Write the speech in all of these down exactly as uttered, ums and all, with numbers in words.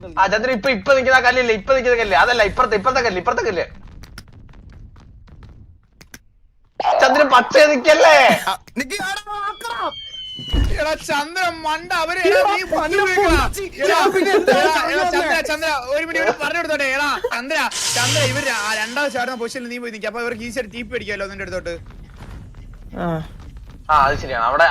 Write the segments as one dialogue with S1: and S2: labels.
S1: ആ ചന്ദ്രൻ ഇപ്പൊ ഇപ്പൊ നിൽക്കുന്ന കല്ലില്ലേ ഇപ്പൊ നിൽക്കുന്ന കല്ല് അതല്ല ഇപ്പുറത്തെ ഇപ്പുറത്തെ കല്ല് ഇപ്പുറത്തെ കല്ല് ചന്ദ്രൻ പച്ച നിക്കല്ലേ
S2: ചന്ദ്രൻ മണ്ട അവര് ചന്ദ്ര ഒരു മിനിറ്റ് പറഞ്ഞു കൊടുത്തോട്ടെ എടാ ചന്ദ്ര ചന്ദ്ര ഇവര് രണ്ടാമത് ചാടുന്ന പൊസിഷനിൽ നീ പോയി നിൽക്കുക അപ്പൊ ഇവർക്ക് ഈസിയായിട്ട് ടീപ്പ് അടിക്കാമല്ലോ നിന്റെ അടുത്തോട്ട്.
S1: ആ അത് ശരിയാണ് അവിടെ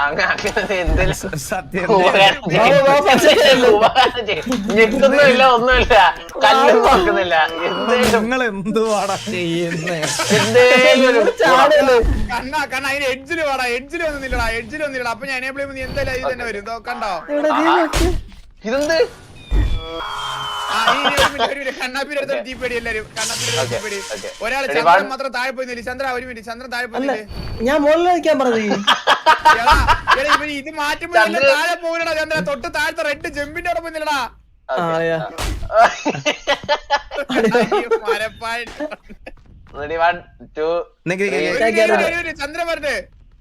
S1: ഞെക്കൊന്നുമില്ല ഒന്നുമില്ല കല്ലും നോക്കുന്നില്ല
S3: നിങ്ങൾ എന്തുവാടാ ചെയ്യുന്നേ
S2: കണ്ണാ കണ്ണ അതിന് എഡ്ജില് വാടാ എഡ്ജില് വന്നില്ലടാ എഡ്ജില് വന്നില്ലടാ അപ്പൊ ഞാൻ എനേബിൾ ചെയ്യുമ്പോൾ നീ എന്തായാലും ഇത് തന്നെ വരും കണ്ടോ
S1: ഇതെന്ത്
S2: കണ്ണാപ്പിന്റെ അടുത്ത് ടീപ്പേടി എല്ലാരും കണ്ണാപ്പിന്റെ ടീപ്പേടി ഒരാള് ചന്ദ്രൻ മാത്രം താഴെ പോയി ചന്ദ്ര ഒരു മിനിറ്റ് ചന്ദ്രൻ താഴെ പോയില്ലേ
S4: ഞാൻ മുകളിൽ നിൽക്കാൻ പറഞ്ഞു
S2: ഇത് മാറ്റുമ്പോ താഴെ പോകില്ലടാ ചന്ദ്ര തൊട്ട് താഴത്തെ റെഡ് ജമ്പിന്റെ അവിടെ പോയില്ലടാ ചന്ദ്രൻ പറഞ്ഞേ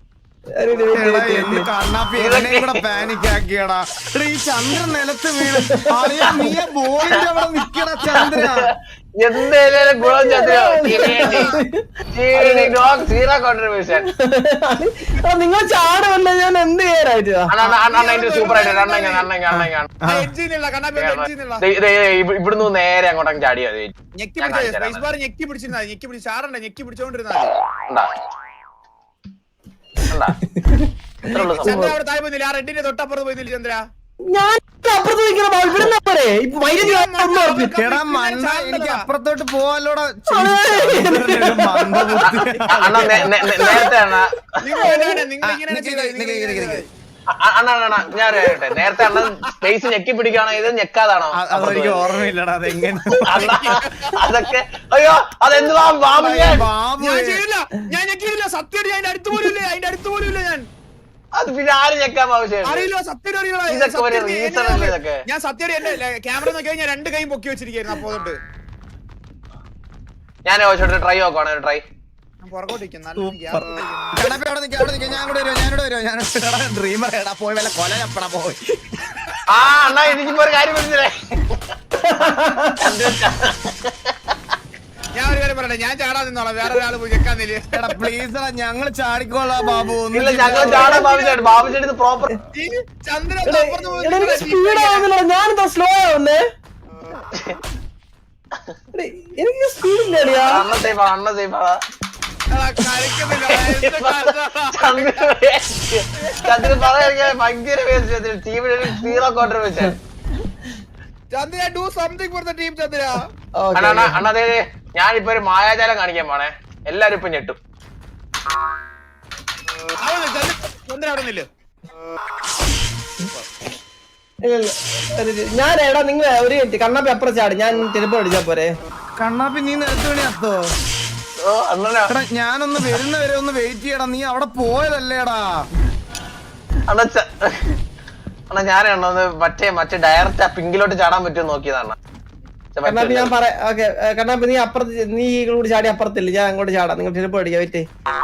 S3: പാനിക്കാക്കിയടാ ഈ ചന്ദ്രൻ നിലത്ത് വീണ് അറിയാം നീ ബോളിന്റെ അവിടെ നിക്കണ ചന്ദ്ര
S1: എന്തേലും ഗുണം ചന്ദ്ര സീറോ കോൺട്രിബ്യൂഷൻ
S4: നിങ്ങൾ ചാടുമല്ല ഞാൻ എന്ത് ചെയ്യാനായിട്ട്
S1: സൂപ്പർ ഇവിടുന്ന് നേരെ അങ്ങോട്ടങ്ങ് ചാടിയാ
S2: ഞെക്കി ഞെക്കി പിടിച്ചിരുന്നാ ഞെക്കി പിടിച്ച് ചാറണ്ട ഞെക്കി പിടിച്ചോണ്ടിരുന്നാ റെഡിന്റെ തൊട്ടപ്പുറത്ത് പോയില്ല ചന്ദ്ര
S4: ഞാൻ അപ്പുറത്ത്
S3: എനിക്ക് അപ്പുറത്തോട്ട് പോവാലോടാ
S1: ഞാൻ നേരത്തെ അണ്ണൻ സ്പേസ് ഞെക്കി പിടിക്കുകയാണോ ഇത് ഞെക്കാതാണോ
S3: അതെനിക്ക് ഓർമ്മയില്ലടാ അതെങ്ങനെ
S1: അതൊക്കെ അയ്യോ അതെന്തുവാ ബാബു
S2: ഞാൻ ഞെക്കിയില്ല സത്യം അതിന്റെ അടുത്ത് പോലും ഇല്ല അതിന്റെ അടുത്ത് പോലും ഇല്ല ഞാൻ
S1: അത് പിന്നെ ആര് ഞെക്കാൻ ആവശ്യം
S2: അറിയില്ല സത്യം ഞാൻ സത്യം എന്റെ ക്യാമറ നോക്കി ഞാൻ രണ്ട് കൈ പൊക്കി വെച്ചിരിക്കുന്നു അപ്പോ തൊട്ട്
S1: ഞാൻ ട്രൈ നോക്കുവാണ് ട്രൈ ആ അണ്ണാ എനിക്കിപ്പോ ഒരു കാര്യം മനസ്സിലായി
S2: ഞാൻ ഒരു കാര്യം പറയട്ടെ ഞാൻ ചാടാൻ നിന്നോളാം വേറെ ഒരാൾ പോയി ചെക്കാന്നില്ല
S3: പ്ലീസ് ഞങ്ങൾ ചാടിക്കോളാം ബാബു
S1: ഞങ്ങൾ ചാടാൻ ബാബുചേട്ടൻ ബാബുചേട്ടൻ പ്രോപ്പർ
S2: ചന്ദ്രൻ
S4: ഞാനെന്താ സ്ലോ ആവുന്നേ എനിക്ക് സ്പീഡില്ല
S1: അണ്ണ സേഫാ അണ്ണ സേഫാ ചന്ദ്രൻ പറയാൻ ഭയങ്കര ടീമിന് zero contribution
S2: Chandra do something for the team Chandra
S1: അണ്ണാ ഞാനിപ്പോ ഒരു മായാജാലം കാണിക്കാൻ പോണേ എല്ലാരും ഇപ്പൊ ഞെട്ടും
S2: ചന്ദ്ര അവിടെ നില്ല
S4: ഞാൻ എടാ നിങ്ങൾ ഒരു മിനിറ്റ് കണ്ണാപ്പി അപ്പുറം ചാടി ഞാൻ തിരുപ്പ അടിച്ചാ പോരെ
S3: കണ്ണാപ്പി നീ നിലത്ത് വേണി അത്തോ ഞാനൊന്ന് വരുന്നവരെ ഒന്ന് വെയിറ്റ് ചെയ്യടാ നീ അവിടെ പോയതല്ലേടാ
S1: അണ്ണാ അണ്ണാ ഞാനാണോ മറ്റേ മറ്റേ ഡയറക്റ്റ് ആ പിങ്കിലോട്ട് ചാടാൻ പറ്റുമോ നോക്കിയതാണ്
S4: കണ്ണാപ്പി ഞാൻ പറയാം ഓക്കെ കണ്ണാപ്പി നീ അപ്പുറത്ത് നീ കൂടി ചാടി അപ്പുറത്തില്ല ഞാൻ അങ്ങോട്ട് ചാടാം നിങ്ങൾ തിരുപ്പ അടിക്കാം വെയിറ്റ്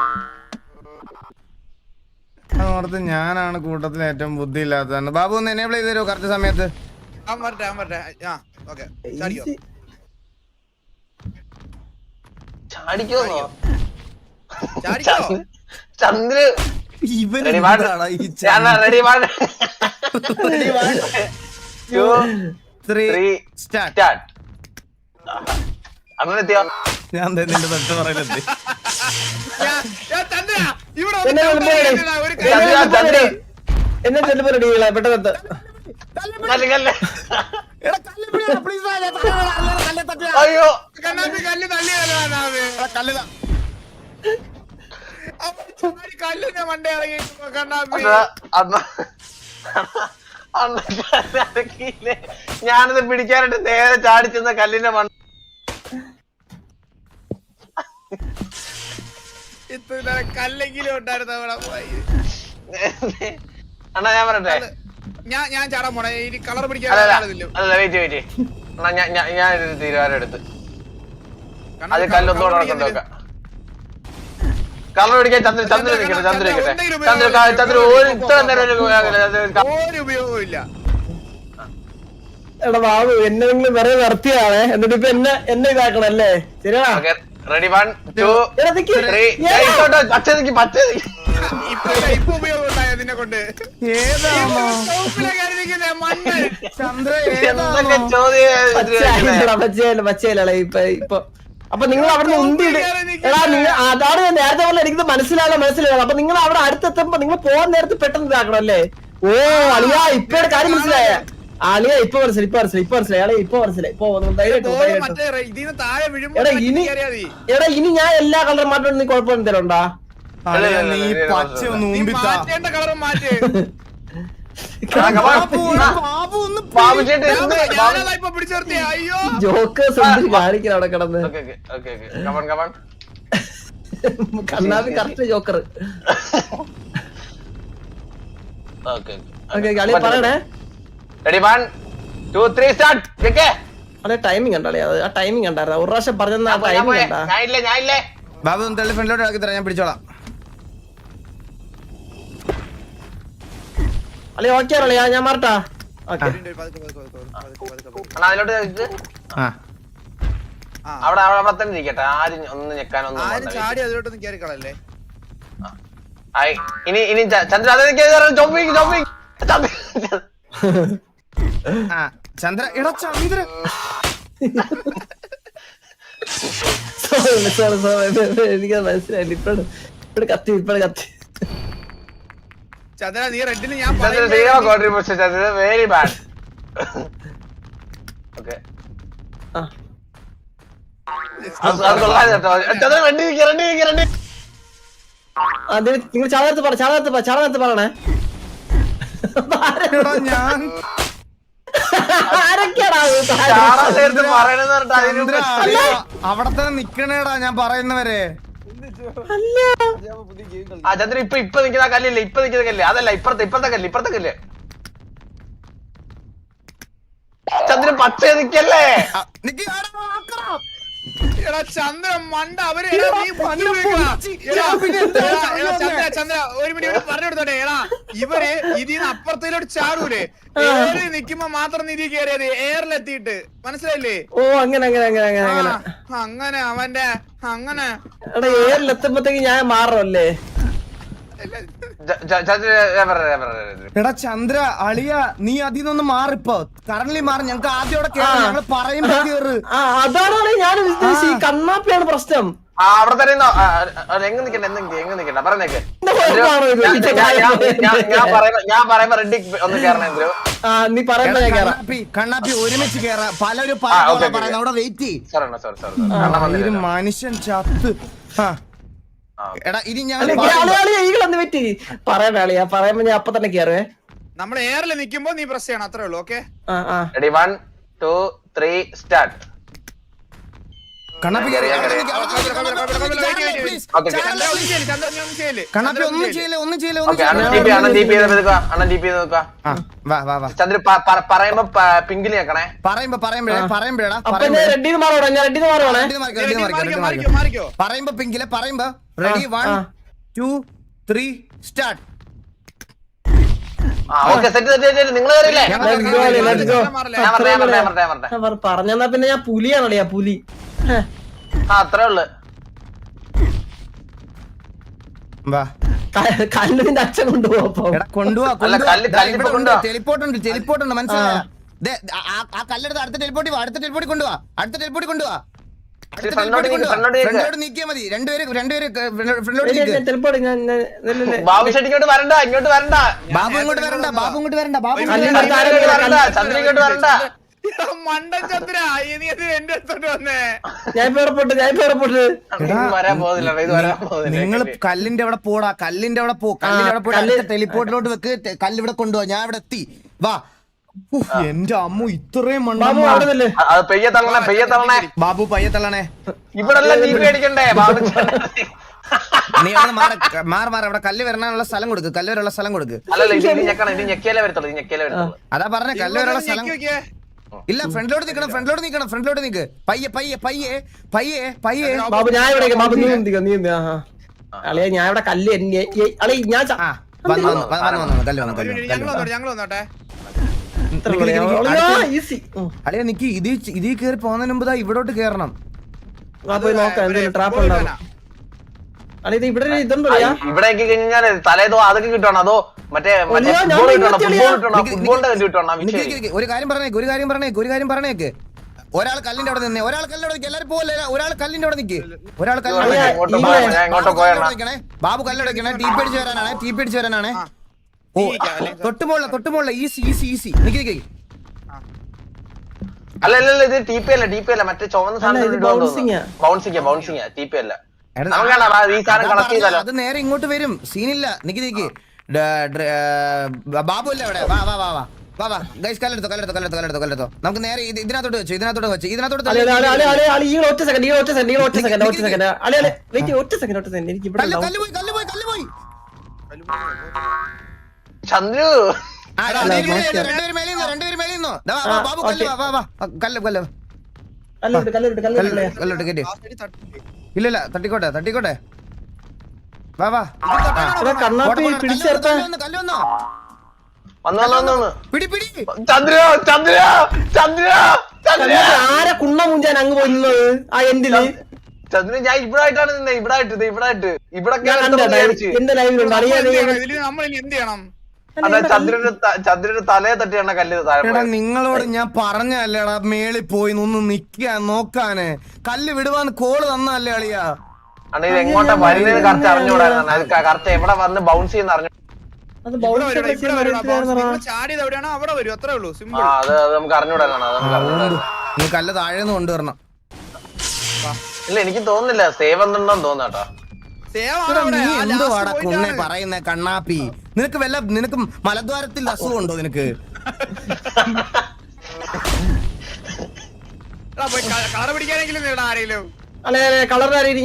S3: അതോർത്ത് ഞാനാണ് കൂട്ടത്തിൽ ഏറ്റവും ബുദ്ധി ഇല്ലാത്തതാണ് ബാബു ഒന്ന് എനേബിൾ ചെയ്ത് തരുമോ കറക്റ്റ് സമയത്ത്
S1: ചന്ദ്ര അങ്ങനെ എത്തിയോ
S3: ഞാൻ നിന്റെ തൊട്ട് പറയുന്നത്
S4: എന്നെ ചെല്ലുമ്പോ റെഡികളെ പെട്ടെന്ന്
S1: അയ്യോ
S2: കണ്ണാപ്പി കല്ല് തള്ളിയല്ലോ കല്ലിന്റെ മണ്ട ഇറങ്ങി കണ്ണാപ്പി
S1: ഞാനത് പിടിക്കാനായിട്ട് നേരെ ചാടിച്ചെന്ന കല്ലിന്റെ മണ്ട
S2: കല്ലെങ്കിലും ഉണ്ടായിരുന്നു അവിടെ പോയി
S1: അണ്ണാ ഞാൻ പറയട്ടെ
S2: ഞാൻ ഞാൻ ചാടാൻ പോണേ ഇനി കളർ പിടിക്കാൻ
S1: അല്ല വെയിറ്റ് വെയിറ്റ് അണ്ണാ ഞാൻ ഞാനൊരു തീരുമാനം എടുത്ത് അത് കല്ലൊന്നുകൂടെ നടക്കണ്ട വെക്കാം കളർ പിടിക്കാൻ ചന്ദ്ര ചന്ദ്ര നിൽക്കട്ടെ ചന്ദ്ര നിൽക്കട്ടെ ചന്ദ്ര ചന്ദ്ര ഒരു ഇത്ര നേരം
S2: ഒരു ഉപയോഗവും ഇല്ല
S4: എടാ ബാബു എന്നെങ്കിലും വെറുതെ നിർത്തിയാണേ എന്നിട്ട് ഇപ്പൊ എന്നെ എന്നെ ഇതാക്കണം അല്ലേ ശരിയാ
S1: റെഡി വൺ ടു ത്രീ പച്ച നിക്ക് പച്ച
S2: ഇപ്പൊ ഇപ്പൊ ഉപയോഗം ഉണ്ടായോ നിന്നെ കൊണ്ട്
S3: ഏതാണോ
S2: മണ്ണ്
S3: ചന്ദ്ര
S1: എന്തൊക്കെ
S3: ഏതാണോ
S1: ചോദ്യം
S4: പച്ചയല്ല പച്ചയല്ല ഇപ്പൊ ഇപ്പൊ അപ്പൊ നിങ്ങൾ അവിടെ ഉന്തിയിട്ട് എടാ നിങ്ങൾ അതാണ് ഞാൻ നേരത്തെ പോലെ എനിക്ക് മനസ്സിലാകാൻ മനസ്സിലാകാം അപ്പൊ നിങ്ങൾ അവിടെ അടുത്തെത്തുമ്പോ നിങ്ങൾ പോകാൻ നേരത്ത് പെട്ടെന്ന് ഇതാക്കണം അല്ലേ ഓ അളിയാ ഇപ്പൊ കാര്യം മനസ്സിലായ അളിയ ഇപ്പൊ മനസ്സിലായി ഇപ്പൊ മനസ്സിലായി ഇപ്പൊ മനസ്സിലായി അളിയ ഇപ്പൊ മനസ്സിലായി ഇപ്പൊ ധൈര്യം
S2: മറ്റേ ഇതിന് താഴെ വീഴുമ്പോ
S4: എടാ ഇനി
S2: കയറിയാ മതി.
S4: എടാ ഇനി ഞാൻ എല്ലാ കളറും മാറ്റം നീ കുഴപ്പം എന്തെങ്കിലും ഉണ്ടാ
S3: നീ പച്ച ഒന്ന്
S2: നീ
S3: ഊമ്പിത്താ
S2: മാറ്റേണ്ട കളറും മാറ്റ്
S3: ബാബു ഒന്ന് ബാബു ഒന്ന്
S1: ബാബു ചേട്ടൻ എന്ത്
S2: ഞാനതാ ഇപ്പൊ പിടിച്ചു നിർത്തിയ അയ്യോ
S4: ജോക്കേഴ്സ് എന്തിന് കാണിക്കണം അവിടെ കിടന്ന്
S1: okay okay okay come on come on
S4: Kannappi correct joker
S1: okay
S4: okay കളി പറയണേ
S1: ready one two three start കേക്കേ
S4: അതെ ടൈമിംഗ് കണ്ടാളേ അത് ആ ടൈമിംഗ് കണ്ടായിരുന്നു ഒരു പ്രാവശ്യം പറഞ്ഞ ആ ടൈമിംഗ് കണ്ടാ
S1: ഞാൻ ഇല്ലേ ഞാൻ ഇല്ലേ
S3: ബാബു ഒന്ന് തള്ളി ഫ്രണ്ടിലോട്ട് ആക്കി തരാം ഞാൻ പിടിച്ചോളാം
S4: അല്ലെ ഓക്കെ അല്ലേ ഞാൻ മാറട്ടാ ഓക്കെ
S1: അണ്ണാ അതിലോട്ട് നിക്ക്.
S3: ആ
S1: അവിടെ അവിടെ അവിടെ തന്നെ ഇരിക്കട്ടെ ആരും ഒന്ന് ഞെക്കാനൊന്നും
S2: ആരും
S1: പോകണ്ട.
S2: ചാടി അതിലോട്ടൊന്നും കയറി കളല്ലേ
S1: ആയി. ഇനി ഇനി ച- ചന്ദ്ര അത് ചോപ്പിങ് ചോപ്പിങ്
S3: ആ ചന്ദ്ര എടാ ചന്ദ്ര
S4: സോറി സോറി സോറി എനിക്ക് മനസ്സിലായില്ല ഇപ്പഴ് ഇപ്പഴ് കത്തി ഇപ്പഴ് കത്തി
S2: ചന്ദ്ര നീ റെഡിന് ഞാൻ
S1: Chandra zero contribution Chandra very bad okay
S4: ആ
S1: അത് കൊള്ളാതെ കേട്ടോ ചന്ദ്ര റെഡി നിൽക്കുക റെഡി നിൽക്കുക റെഡി
S4: അത് നിങ്ങൾ ചാളത്ത് പറ ചാളത്ത് പറ ചാളത്ത് പറയണേ
S3: എടാ ഞാൻ
S4: ആരൊക്കെയാടാ
S1: ചാടാൻ നേരത്ത് പറയണെന്ന് പറഞ്ഞിട്ട് അതിന്
S3: ചന്ദ്ര അറിയാ, അവിടെ തന്നെ നിക്കണേടാ ഞാൻ പറയുന്നവരെ
S1: ആ ചന്ദ്ര ഇപ്പൊ ഇപ്പൊ നിൽക്കുന്ന കല്ലില്ലേ ഇപ്പൊ നിൽക്കുന്ന കല്ല് അതല്ല ഇപ്പുറത്തെ ഇപ്പുറത്തെ കല്ല് ഇപ്പുറത്തെ കല്ല് ചന്ദ്ര പച്ച നിക്കല്ലേ
S3: ആ, നിക്ക്, ആടാ, ആക്കടാ.
S2: എടാ ചന്ദ്ര മണ്ട അവര് എടാ നീ പന്നി ഉപയോഗിക്കടാ. എടാ,
S3: പിന്നെ എന്താ
S2: എടാ,
S3: ചന്ദ്ര
S2: എടാ, ചന്ദ്ര
S3: വന്നേ?
S2: ചന്ദ്ര ഒരു മിനിറ്റ് പറഞ്ഞു കൊടുത്തോട്ടെ എടാ ഇവര് ഇതിന്ന് അപ്പുറത്തേലോട്ട് ചാടൂലേ ഏറി നിക്കുമ്പോ മാത്രം നിധി കയറിയത് എയറിലെത്തിയിട്ട് മനസ്സിലായില്ലേ
S4: ഓ അങ്ങനെ അങ്ങനെ അങ്ങനെ അങ്ങനെ അങ്ങനെ
S2: ആ, അങ്ങനെ അവന്റെ അങ്ങനെ
S4: എടാ ഏറിൽ എത്തുമ്പത്തേക്ക് ഞാൻ മാറല്ലേ
S1: ച- ച- ചന്ദ്ര ഞാൻ പറയാം, ഞാൻ പറയാം, ഞാൻ പറയാം.
S3: എടാ ചന്ദ്ര അളിയ നീ അതിൽ നിന്ന് മാറിപ്പോ കറന്റ് മാറി ഞങ്ങക്ക് ആദ്യം അവിടെ കേറി ഞങ്ങള് പറയുമ്പോ കേറ്
S4: ആ അതാണ് ഞാൻ ഉദ്ദേശിച്ചത് ഈ കണ്ണാപ്പിയാണ് പ്രശ്നം
S1: ആ അവിടെ തന്നെ ഇരുന്നോ. ആ, ആ, എങ്ങ് നിക്കണ്ട എങ്ങ് നിക്ക്, എങ്ങ് നിക്കണ്ട പറഞ്ഞേക്ക്
S4: എന്താ കുഴപ്പമാണോ ഇത്?
S1: ഞാൻ- ഞാൻ- ഞാൻ- ഞാൻ- ഞാൻ പറയുമ്പോ ഞാൻ പറയുമ്പോ റെഡി ഒന്ന് കേറണേ എന്തോ
S4: ആ നീ പറയുമ്പോ ഞാൻ കേറാം
S3: കണ്ണാപ്പി കണ്ണാപ്പി ഒരുമിച്ച് കേറാ പലരും
S1: ആ, ഓക്കേ, ഓക്കേ.
S3: പറയുന്നത് അവിടെ വെയിറ്റ്
S1: സോറി സോറി സോറി
S3: ഒരു മനുഷ്യൻ ചത്ത് ആ.
S1: ആ.
S3: എടാ ഇനി ഞാൻ
S4: അല്ല ഈകളൊന്ന് വെറ്റി പറയണ ആളിയാ പറയുമ്പോ ഞാൻ അപ്പൊ തന്നെ കേറുവേ
S2: നമ്മൾ എയറിൽ നിക്കുമ്പോ നീ പ്രസ് ചെയ്യണം അത്രേ ഉള്ളൂ ഓക്കെ
S4: ആ ആ
S1: ready one two three start
S3: Kannappi കേറി അവിടെ നിക്ക്, അവിടെ
S2: കണ്ണാപ്പി,
S3: നിക്ക്,
S2: കണ്ണാപ്പി,
S3: കണ്ണാപ്പി,
S2: കണ്ണാപ്പി,
S3: ചാടല്ലേ,
S2: കണ്ണാപ്പി,
S3: please.
S1: Okay, okay.
S2: ചന്ദ്ര ഒന്നും ചെയ്യല് ചന്ദ്ര നീ ഒന്നും ചെയ്യല്
S3: കണ്ണാപ്പി
S2: ചന്ദ്ര
S3: ഒന്നും
S2: ചെയ്യല്.
S3: ചെയ്യില്ല ഒന്നും ചെയ്യില്ല ഒന്നും
S1: ഓക്കെ അണ്ണൻ ടി പി
S3: ചെയ്യില്ല
S1: അണ്ണൻ ടി പി ചെയ്ത് നിൽക്കുക അണ്ണൻ ടി പി ചെയ്ത് നിൽക്കുക
S3: ആ, വാ വാ വാ
S1: ചന്ദ്ര പ- പ- പറയുമ്പോ പ- പിങ്കിൽ ഞെക്കണേ
S3: പറയുമ്പോ പറയുമ്പോഴേ പറയുമ്പോഴാ
S4: അപ്പൊ ഞാൻ റെഡിന്ന് മാറോടാ ഞാൻ റെഡിന്ന് മാറുവാണേ
S2: നീ മാറിക്കോ മാറിക്കോ മാറിക്കോ
S3: പറയുമ്പോ പിങ്കിലെ പറയുമ്പോ റെഡി വൺ
S4: ആ.
S3: ടു ത്രീ സ്റ്റാർട്ട്
S1: ആ ഓക്കെ സെറ്റ് സെറ്റ് സെറ്റ് നിങ്ങൾ കയറിയില്ലേ
S3: ഞാൻ
S4: Let's go, let's go.
S2: Chandra മാറില്ല.
S1: ഞാൻ പറഞ്ഞേ ഞാൻ പറഞ്ഞേ ഞാൻ പറഞ്ഞേ ഞാൻ പറഞ്ഞേ
S4: ഞാൻ പറ- പറഞ്ഞെന്നാ പിന്നെ ഞാൻ പുലിയാണല്ലേ ആ പുലി ഹേ.
S1: ആ അത്രേ ഉള്ളു
S3: വാ
S4: ക- കല്ലുവിന്റെ അച്ഛൻ കൊണ്ടുപോകപ്പോ
S3: എടാ കൊണ്ടുപോവാ
S1: അല്ല, കല്ല് കല്ല് ഇപ്പൊ കൊണ്ടുവാ.
S3: ടെലിപ്പോർട്ട് ഉണ്ട് ടെലിപ്പോർട്ട് ഉണ്ട് മനസ്സിലായോ ദേ, ആ- ആ- ആ കല്ലെടുത്ത് അടുത്ത ടെലിപ്പോർട്ടി വാ അടുത്ത ടെലിപ്പോർട്ടി കൊണ്ടുപോവാ അടുത്ത ടെലിപ്പോർട്ടി കൊണ്ടുപോവാ അടുത്ത
S1: ഫ്രണ്ടോട്ട്
S3: ടെലിപ്പോർട്ടി
S1: നീക്ക്,
S3: കൊണ്ടുവാ
S1: ഫ്രണ്ടോട്ട് നീക്ക്.
S3: ഫ്രണ്ടോട്ട് നീക്കിയാ മതി രണ്ടുപേര് രണ്ടുപേര് ഫ്രണ്ടോട്ട് നീക്ക്
S4: ചിലപ്പോ ഞാൻ ഞാൻ- ഇല്ല, ഇല്ല.
S1: ബാബു ഷെട്ടി ഇങ്ങോട്ട് വരണ്ട ഇങ്ങോട്ട് വരണ്ട
S3: ബാബു ഇങ്ങോട്ട് വരണ്ട ബാബു ഇങ്ങോട്ട് വരണ്ട ബാബു
S2: ഒരു
S3: ഇങ്ങോട്ട്
S2: മിനിറ്റ്,
S3: വരണ്ട.
S1: ചന്ദ്ര ഇങ്ങോട്ട് വരണ്ട ചന്ദ്ര ഇങ്ങോട്ട് വരണ്ട
S2: എടാ, മണ്ടൻ ചന്ദ്ര നീ അത് എന്റെ അടുത്തോട്ട് വന്നേ
S4: ഞാൻ ഇപ്പൊ ഉറപ്പിട്ട് ഞാൻ ഇപ്പൊ ഉറപ്പിട്ട്
S1: ഇത് വരാൻ പോകുന്നില്ല ഇത് വരാൻ പോകുന്നില്ല
S3: നിങ്ങൾ കല്ലിന്റെ അവിടെ പോടാ കല്ലിന്റെ അവിടെ പോ കല്ലിന്റെ അവിടെ പോയി
S4: കല്ല്-
S3: അടുത്ത ടെലിപ്പോർട്ടിലോട്ട് വെക്ക് ടെ- കല്ല് ഇവിടെ കൊണ്ടുപോവാ ഞാൻ ഇവിടെ എത്തി വാ ഉഫ്, എന്റെ അമ്മ ഇത്രയും
S4: ബാബു
S3: മണ്ണ
S4: അവിടെ നില്ല്.
S1: അ- അത് പെയ്യ തള്ളണേ പെയ്യ തള്ളണേ
S3: ബാബു പയ്യെ തള്ളണേ
S1: ഇവിടെ എല്ലാം നീ പേടിക്കണ്ടേ ബാബു
S3: നീ അവിടെ മാറി മാറി മാറി അവിടെ കല്ല് വരാനുള്ള സ്ഥലം കൊടുക്ക് കല്ല് വരാനുള്ള സ്ഥലം കൊടുക്ക്
S1: അല്ലല്ല ഇത് ഇത് ഞെക്കണം ഇത് ഞെക്കിയാലേ വരത്തുള്ളൂ ഇത് ഞെക്കിയാലേ വരത്തുള്ളൂ
S3: അതാ പറഞ്ഞ കല്ല് വരാനുള്ള സ്ഥലം
S2: ഞെക്കി വെക്കേ.
S3: ഇല്ല ഫ്രണ്ടിലോട്ട് നിക്കണം ഫ്രണ്ടിലോട്ട് നിക്കണം ഫ്രണ്ടിലോട്ട് നിക്ക് പയ്യെ പയ്യെ പയ്യെ പയ്യെ പയ്യെ
S4: ബാബു ഞാൻ ഇവിടെ ബാബു നീ എന്തിക്കോ നീ എന്ത് അളിയ ഞാൻ ഇവിടെ കല്ല് എന്നെ- ഏ- അളിയ ഞാൻ ച-
S3: ആ വന്നു വന്നു വന്നു വന്നു വന്നു കല്ല് വന്നു
S2: ഒരു
S3: കല്ല്
S2: മിനിറ്റ്,
S3: വന്നു,
S2: ഞങ്ങൾ
S3: കല്ല് വന്നു.
S2: വന്നോട്ടെ ഞങ്ങൾ വന്നോട്ടെ
S4: ഈസി.
S3: അളിയ നിക്ക് ഇത് ഇതിൽ കയറി പോകുന്നതിന് മുമ്പ് ദാ ഇവിടോട്ട് കേറണം.
S4: പോയി നോക്കാം എന്തെങ്കിലും ട്രാപ്പ് ഉണ്ടാവും. അളിയ ഇത് ഇവിടെ ഒരു ഇതുണ്ടോ അളിയാ?
S1: ഇവിടെ കഴിഞ്ഞാൽ തലേതോ അതൊക്കെ കിട്ടണം അതോ മറ്റേ മറ്റേ
S4: ഒളിയോ, ഞാൻ
S1: ഫുട്ബോൾ കിട്ടണം
S4: വിളിച്ചില്ല.
S1: ഫുട്ബോൾ കിട്ടണം
S3: നിക്ക്
S1: ഫുട്ബോളിന്റെ കല്ല് കിട്ടണം
S3: നിക്ക്
S1: വിഷയം.
S3: നിക്ക് നിക്ക്. ഒരു കാര്യം പറഞ്ഞേക്ക് ഒരു കാര്യം പറഞ്ഞേക്ക് ഒരു കാര്യം പറഞ്ഞേക്ക്. ഒരാൾ കല്ലിന്റെ അവിടെ നിന്നേ ഒരാൾ കല്ലിന്റെ അവിടെ നിക്ക്. എല്ലാരും പോലെ ഒരാൾ കല്ലിന്റെ അവിടെ നിക്ക്. ഒരാൾ കല്ലിന്റെ അവിടെ
S1: ഞാൻ
S3: നിക്ക്.
S1: ഇങ്ങോട്ട്
S4: ഈ-
S1: പോയാ ഞാൻ ഇങ്ങോട്ട് പോയാ
S3: നിക്കണേ. ബാബു കല്ലടക്കണേ. ടീ പേടിച്ച് വരാനാണ് ടീ പേടിച്ച് വരാനാണ്. ഓ തൊട്ടുമുള്ള തൊട്ടുമുള്ള ഈസി ഈസി ഈസി നിക്ക് നിക്ക്.
S1: അല്ല അല്ല അല്ല ഇത് ടി പി അല്ല ടി പി അല്ല മറ്റേ ചുവന്ന സാധനം
S4: ഇത് bouncing ആ.
S1: ബൗൺസിങ് ബൗൺസിങ് ടി പി അല്ല
S3: എടാ,
S1: നമുക്കാണ് ഈ സാധനം
S3: അതാ
S1: കളക്ട്
S3: പറഞ്ഞത്,
S1: ചെയ്താലോ.
S3: അത് നേരെ ഇങ്ങോട്ട് വരും. സീനില്ല. നിക്ക് നിക്ക്. ഡ- ഡ്ര- ആ, ബാബു അല്ലേ അവിടെ? വാ വാ വാ വാ വാ വാ ഗൈസ് കല്ലെടുത്തോ കല്ലെടുത്തോ കല്ലെടുത്തോ കല്ലെടുത്തോ കല്ലെടുത്തോ. നമുക്ക് നേരെ ഇത് ഇതിനകത്തോട്ട് വെച്ചു ഇതിനകത്തോട്ട് വെച്ചു ഇതിനകത്തോട്ട്
S4: അളി അളി അളി
S3: തള്ളി.
S4: അളി അളി ഈ ഒറ്റ സെക്കൻഡ് ഈ ഒറ്റ സെക്കൻഡ് ഈ ഒറ്റ സെക്കൻഡ് ഒറ്റ സെക്കൻഡ് അളി അളി വെയിറ്റ് ഒറ്റ സെക്കൻഡ് ഒറ്റ സെക്കൻഡ് എനിക്ക് ഇവിടെ
S3: കല്ല്
S4: ഉണ്ടാവും.
S3: കല്ല് പോയി കല്ല് പോയി കല്ല് പോയി.
S1: ചന്ദ്രു
S3: ആ, രണ്ടുപേര് മേലെ ഇരുന്നോ, രണ്ടുപേര് മേലെ ഇരുന്നോ, രണ്ടുപേര് മേലെ ഇരുന്നോ. ദാ, വാ, വാ, ബാബു കല്ല് വാ വാ വാ ആ, കല്ല് കല്ല്
S4: കല്ലിട്ട് കല്ലിട്ട്
S3: കല്ല്
S4: കല്ലിട്ട്
S3: കല്ലോട്ട് കയറ്റി. ഇല്ല ഇല്ല തട്ടിക്കോട്ടെ തട്ടിക്കോട്ടെ. വാ വാ
S4: കണ്ണാപ്പി പിടിച്ചേർത്ത
S3: കല്ല് വന്നോ, കല്ല് വന്നോ.
S1: വന്നു വന്നു വന്നു വന്നു
S3: പിടി പിടി.
S1: ചന്ദ്രു ചന്ദ്രു ചന്ദ്രു ചന്ദ്രു
S4: ആരെ കുണ്ണ മുഞ്ചാൻ അങ്ങ് പോയി നിന്നത് ആ എൻഡില്
S1: ചന്ദ്രു ഞാൻ ഇവിടായിട്ടാണ് നിന്നെ ഇവിടായിട്ട് ഇത് ഇവിടായിട്ട് ഇവിടെ
S4: ഞാൻ കണ്ടേട്ടാ എന്റെ ലൈവിലുണ്ട് അളിയാ
S2: ഇതില് നമ്മൾ ഇനി എന്ത് ചെയ്യണം?
S1: അതാ ചന്ദ്രന്റെ ത- ചന്ദ്രന്റെ തലയെ തട്ടിയാണ് കല്ല് താഴെ
S3: എടാ
S1: പോയത്.
S3: നിങ്ങളോട് ഞാൻ പറഞ്ഞല്ലേടാ മേളിൽ പോയി ഒന്ന് നിക്കാൻ നോക്കാന്. കല്ല് വിടുവാന്ന് കോള് തന്നല്ലേ അളിയാ.
S1: അണ്ണാ ഇത് എങ്ങോട്ടാ വരുന്നതെന്ന് കറക്റ്റ് അറിഞ്ഞുകൂടായിരുന്നു അത് കറക്റ്റ് എവിടെ വന്ന് ബൗൺസ് ചെയ്യുന്ന അറിഞ്ഞു.
S4: അത്
S2: ഇവിടെ
S4: ബൗൺസ്
S2: വരും, ഇവിടെ വരും.
S4: ചെയ്ത്
S2: bounce നിങ്ങൾ ചാടിയത് എവിടെയാണോ അവിടെ വരും, അത്രേ ഉള്ളൂ.
S1: ആ
S2: സിമ്പിൾ.
S1: അത് അത് നമുക്ക് അറിഞ്ഞുകൂടാനാണ് അത് നമുക്ക് അറിഞ്ഞുകൂടാ.
S3: നീ കല്ല് താഴേന്ന് കൊണ്ടുവരണം.
S1: ഇല്ല എനിക്ക് തോന്നുന്നില്ല സേവ് എന്തുണ്ടോന്ന് തോന്നാട്ടോ.
S2: സേവ് ആണ് അവിടെ.
S3: നീ
S2: ആ
S3: എന്ത്
S2: last
S3: വാടാ
S2: point
S3: കുണ്ണെ
S2: ആണ്.
S3: പറയുന്നേ കണ്ണാപ്പി? നിനക്ക് വല്ല നിനക്ക് മലദ്വാരത്തിൽ അസുഖമുണ്ടോ നിനക്ക്?
S2: എടാ, പോയി കള പിടിക്കാനെങ്കിലും നേടാ ആരെങ്കിലും.
S4: അല്ലെ കളർ